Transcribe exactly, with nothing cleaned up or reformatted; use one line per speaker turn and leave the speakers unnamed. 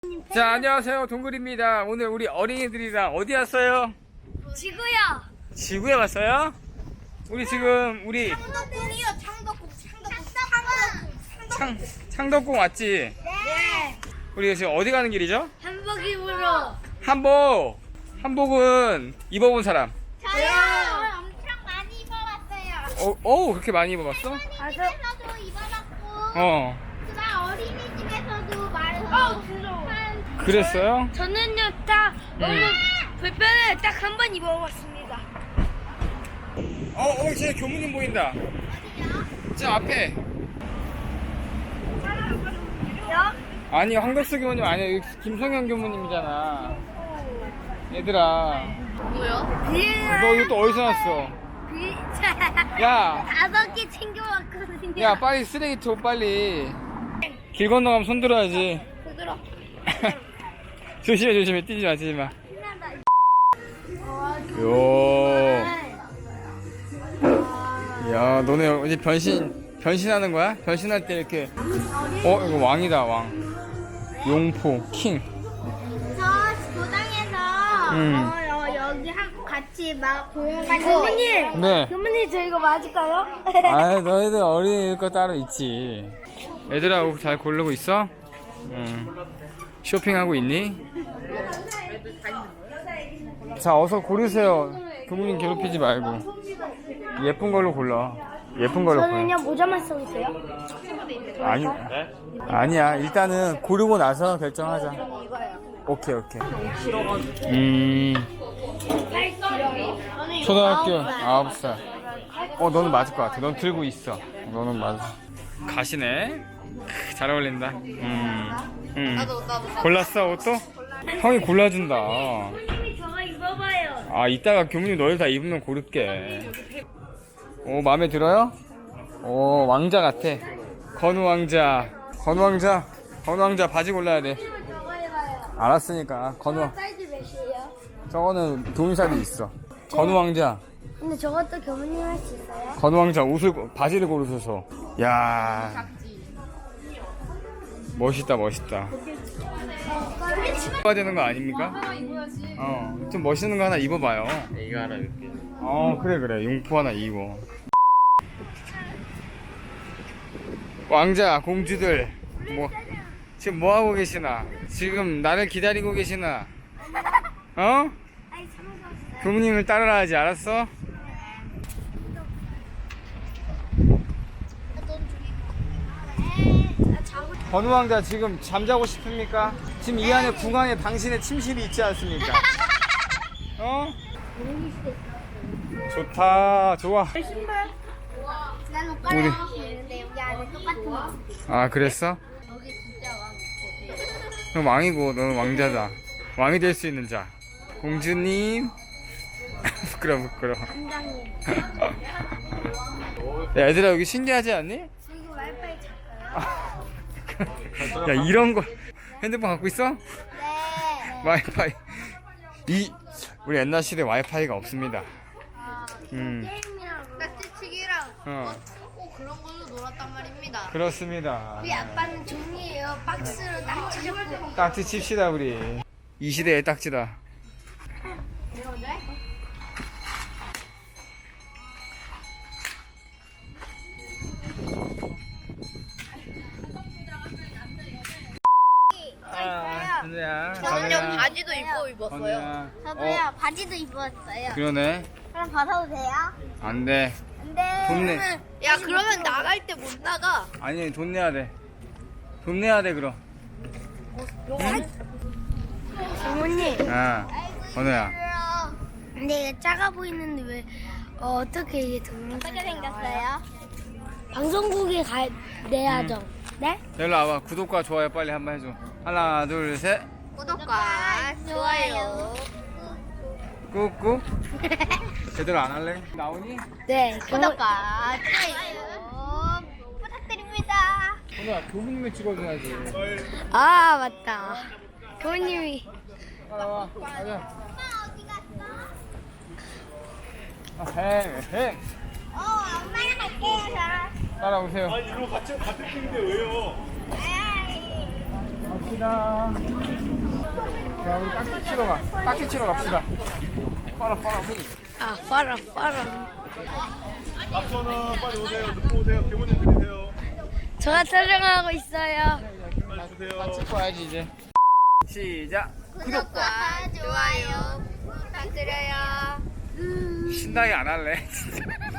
자, 안녕하세요. 동글입니다. 오늘 우리 어린이들이랑 어디 왔어요?
지구요.
지구에 왔어요? 우리 지금 우리
창덕궁이요. 창덕궁. 창덕궁.
창, 창덕궁 왔지?
네.
우리 지금 어디 가는 길이죠?
한복 입으러.
한복. 한복은 입어본 사람.
저요. 엄청 많이 입어봤어요.
어, 어 그렇게 많이 입어봤어?
집에서도 입어봤고.
어.
그다음 어린이집에서도 말해서.
그랬어요?
저는요 딱 너무
음.
불편해 딱 한 번 입어봤습니다.
어, 어, 제 교무님 보인다. 저 앞에. 아니, 황덕수 교무님 아니야. 여기 김성현 교무님이잖아. 얘들아.
뭐요?
너 이거 또 어디서 났어? 야,
다섯 개 챙겨왔거든요.
야, 빨리 쓰레기 줘, 빨리. 길 건너가면 손 들어야지.
부드러.
조심해, 조심해. 뛰지 마, 뛰지 마. 요. 야, 너네 이제 변신, 변신하는 거야? 변신할 때 이렇게. 어, 이거 왕이다, 왕. 용포, 킹.
저 고당에서
음.
어, 어, 여기 하고 같이 막 공연 가는 교무님.
네.
교무님 저 이거 맞을까요?
아, 너희들 어린이 거 따로 있지. 얘들아, 옷 잘 고르고 있어? 응. 쇼핑하고 있니? 자, 어서 고르세요. 교무님 괴롭히지 말고. 예쁜 걸로 골라. 예쁜 걸로 골라.
저는요 모자만 쓰고 있어요.
아니, 아니야. 일단은 고르고 나서 결정하자. 오케이, 오케이. 음, 초등학교 아홉 살. 어, 너는 맞을 것 같아. 넌 들고 있어. 너는 맞아. 가시네. 크, 잘 어울린다. 음, 음. 골랐어, 옷도? 형이 골라준다.
교무님이 저거 입어봐요.
아, 이따가 교무님 너희 다 입으면 고를게. 오, 마음에 들어요? 오, 왕자 같아. 건우 왕자. 건우 왕자. 건우 왕자 바지 골라야 돼.
저거 입어요.
알았으니까. 건우.
사이즈 몇이에요?
저거는 동일사도 있어. 건우 왕자.
근데 저것도 교무님 할 수 있어요?
건우 왕자 옷을, 고- 바지를 고르셔서. 야, 멋있다, 멋있다. 입어야 되는 거 아닙니까? 어, 좀 멋있는 거 하나 입어봐요.
이거 하나 입게.
어, 그래, 그래. 용포 하나 입어. 왕자, 공주들, 뭐, 지금 뭐 하고 계시나? 지금 나를 기다리고 계시나? 어?
아니 참았어요.
교무님을 따라야지, 알았어? 건우 왕자 지금 잠자고 싶습니까? 지금 이 안에 궁안에 당신의 침실이 있지 않습니까? 어? 좋다, 좋아.
난
우리-
오빠랑 하고 있는데 여기 안에 똑같은 거.
아, 그랬어?
여기 진짜 왕.
넌 왕이고 너는 왕자다. 왕이 될 수 있는 자. 공주님. 부끄러워, 부끄러워.
원장님.
야, 얘들아, 여기 신기하지 않니?
여기 와이파이 찰까요?
야, 이런 거 핸드폰 갖고 있어?
네.
와이파이. 이 우리 옛날 시대 와이파이가 없습니다. 음,
게임이랑 딱지치기랑
어,
꼭 그런 걸로 놀았단 말입니다.
그렇습니다.
우리 아빠는 종이에요. 박스로 딱지 잡고.
딱지 칩시다 우리. 이 시대의 딱지다. 아, 준우야.
저는요 바지도 입고 입었어요.
건우야.
저도요 바지도 입었어요.
그러네.
그럼 벗어도 돼요?
안 돼.
안돼.
돈 내.
야 그러면 나갈 때 못 나가.
아니, 돈 내야 돼. 돈 내야 돼, 그럼.
부모님.
아, 건우야.
근데 이게 작아 보이는데 왜 어, 어떻게 이게 동영상이 어떻게 생겼어요? 방송국에 가 내야죠. 네?
일로 와봐. 구독과 좋아요 빨리 한번 해줘. 하나, 둘, 셋.
구독과 좋아요.
꾹꾹. 제대로 안 할래? 나오니?
네. 구독과 좋아요 부탁드립니다.
건우야, 교무님을 찍어줘야지.
아 맞다. 교수님이.
따라와. 가자.
엄마 어디 갔어?
아, 행, 행.
어 엄마랑 갈게요 저.
따라오세요.
아니 이거 같이 같은 팀인데 왜요?
아이.
갑시다. 자, 우리 딱지 치러 가. 딱지 치러 갑시다. 빨아, 빨아.
아, 빨아, 빨아.
앞서는 빨리 오세요. 늦고 오세요. 기분이 드리세요.
제가 촬영하고 있어요.
빨리 주세요.
다 찍고 와야지, 이제. 시작.
구독과 좋아요 부탁드려요.
신나게 안 할래. 진짜.